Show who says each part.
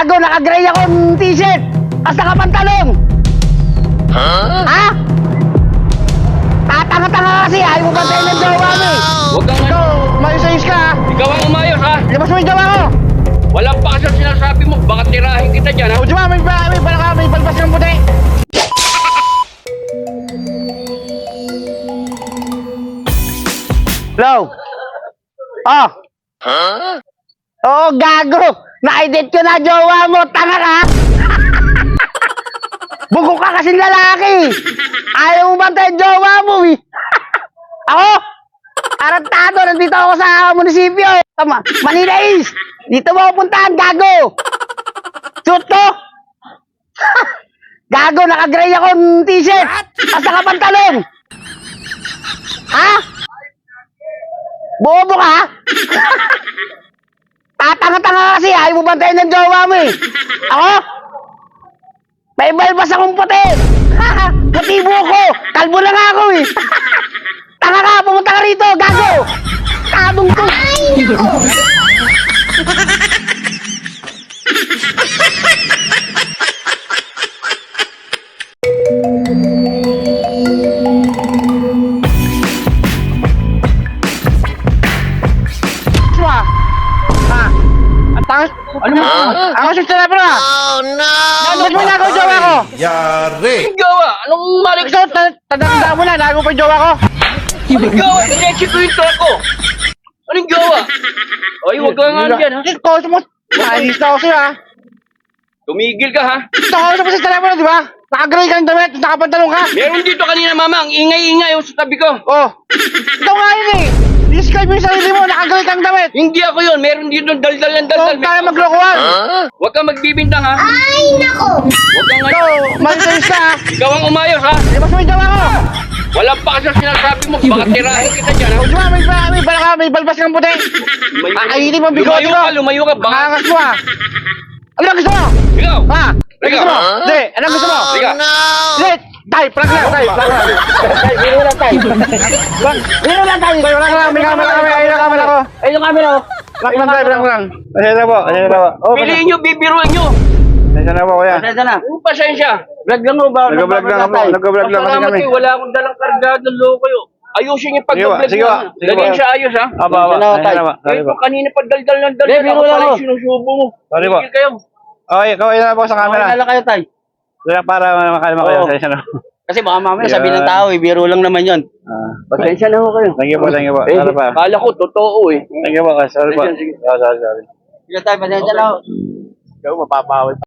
Speaker 1: Gago, naka-gray akong t-shirt. As naka-pantalong. Ha? Tatanga-tanga kasi, ayaw mo ba tayo ng jowa mo eh.
Speaker 2: Huwag kang
Speaker 1: Ikaw, mayos-ayos ka ha.
Speaker 2: Ikaw ang umayos, ha?
Speaker 1: Labas mo yung jowa ko.
Speaker 2: Walang pakasal sinasabi mo. Baka tirahin kita dyan, ha?
Speaker 1: O diba, may balbas ng puti. Hello? Oh. Oo, gago. Na-edit ko na jowa mo. Tanga ka. Bugok ka kasing lalaki. Ayaw mo ba tayo jowa mo eh. Ako? Arantado, nandito ako sa munisipyo. Tama, Manila East. Dito mo ako puntahan, gago. Shoot ko. Gago, naka-gray akong t-shirt. At naka-pantalong. Ha? Bobo ka? Tatanga-tanga kasi, ayaw mo bantayan ng jowa mo eh. Ako? May balbas akong puti. Puti buko. Kalbo na nga ako eh. Tanga ka, pumunta ka rito, gago. Tabong to. Ano mo? Ako sa telepono ah. Oh no! Ba't mo nagaw jowa ko?
Speaker 3: Yari!
Speaker 2: Anong gawa? Anong malik
Speaker 1: Ikaw, tanda mo na, nagaw pa yung jowa ko.
Speaker 2: Anong gawa? Sinechi ko yung truck ko. Anong gawa? Ay, huwag ka nga dyan, ha?
Speaker 1: Ikaw, maalis na ako sa'yo ha.
Speaker 2: Tumigil ka, ha?
Speaker 1: Ito ako sa telepono, di ba? Naka-gray kang damit, nakapantalong ka.
Speaker 2: Meron dito kanina, mama. Ang ingay-ingay yung sa tabi ko.
Speaker 1: Oh, ikaw nga yun eh. Describe mo yung sarili mo, naka-gray kang damit.
Speaker 2: Hindi ako yun. Meron dito daldal ng daldal.
Speaker 1: Huwag tayo maglokohan.
Speaker 2: Huwag kang magbibintang, ha?
Speaker 4: Ay, nako!
Speaker 2: Huwag kang
Speaker 1: Ikaw, malis ka ha.
Speaker 2: Ikaw ang umayos, ha?
Speaker 1: Labas mo yung jowa ko.
Speaker 2: Walang pakasal sinasabi mo. Baka tirahin kita dyan, ha?
Speaker 1: O, di ba, may balbas kang puti. Kakainin mo ang bigote ko.
Speaker 2: Lumayo ka. Baka...
Speaker 1: Makangas mo ha. Ano ang gusto mo?
Speaker 2: Ikaw!
Speaker 1: Ha? Ano gusto mo? Hindi, ano ang gusto mo?
Speaker 2: Sige.
Speaker 1: Hindi, tay, prank lang. Tay, biro lang tay. Biro lang tay. Prank lang, may camera kami. Ayun ang camera ko. Ayun ang camera ko. Prank lang tay, prank lang. Pasensya na po, pasensya na po. Oh,
Speaker 2: Piliin nyo, bibiruan nyo.
Speaker 1: pasensya na po kuya.
Speaker 4: Pasensya na.
Speaker 2: Pasensya.
Speaker 4: Vlog lang mo ba?
Speaker 1: Nag-vlog lang ako, nag-vlog lang kasi
Speaker 2: Pasalamat
Speaker 1: kami.
Speaker 2: kayo. Wala akong dalang kargado ng loko yun. Ayusin yung
Speaker 1: Sige ba,
Speaker 2: pag-vlog
Speaker 1: sige
Speaker 2: nyo.
Speaker 1: ba, sige
Speaker 2: Lagyan
Speaker 1: ba.
Speaker 2: siya ayos, ha?
Speaker 1: Aba, pasensya na po. Sorry
Speaker 2: Ito
Speaker 1: po.
Speaker 2: kanina pa daldal ng daldal.
Speaker 4: Hindi, biro
Speaker 2: Ako
Speaker 4: lang
Speaker 2: pala
Speaker 4: ako.
Speaker 2: yung sinusubo mo.
Speaker 1: Sorry po.
Speaker 2: Tigil kayo.
Speaker 1: Okay, kaway na po sa camera.
Speaker 4: Wala kayo tay.
Speaker 1: Para makalma kayo,
Speaker 4: Oo.
Speaker 1: pasensya na.
Speaker 4: Kasi baka mamaya
Speaker 1: Yeah.
Speaker 4: sabi ng tao, biro lang naman yun.
Speaker 2: Pasensya na ho kayo.
Speaker 1: Thank you po, thank you po.
Speaker 2: Eh,
Speaker 1: Sorry pa.
Speaker 2: kala ko, totoo eh.
Speaker 1: Thank you po, sorry po.
Speaker 2: Sige.
Speaker 1: Sorry.
Speaker 4: Sige tay, pasensya na ako.
Speaker 1: Ikaw, mapapawid.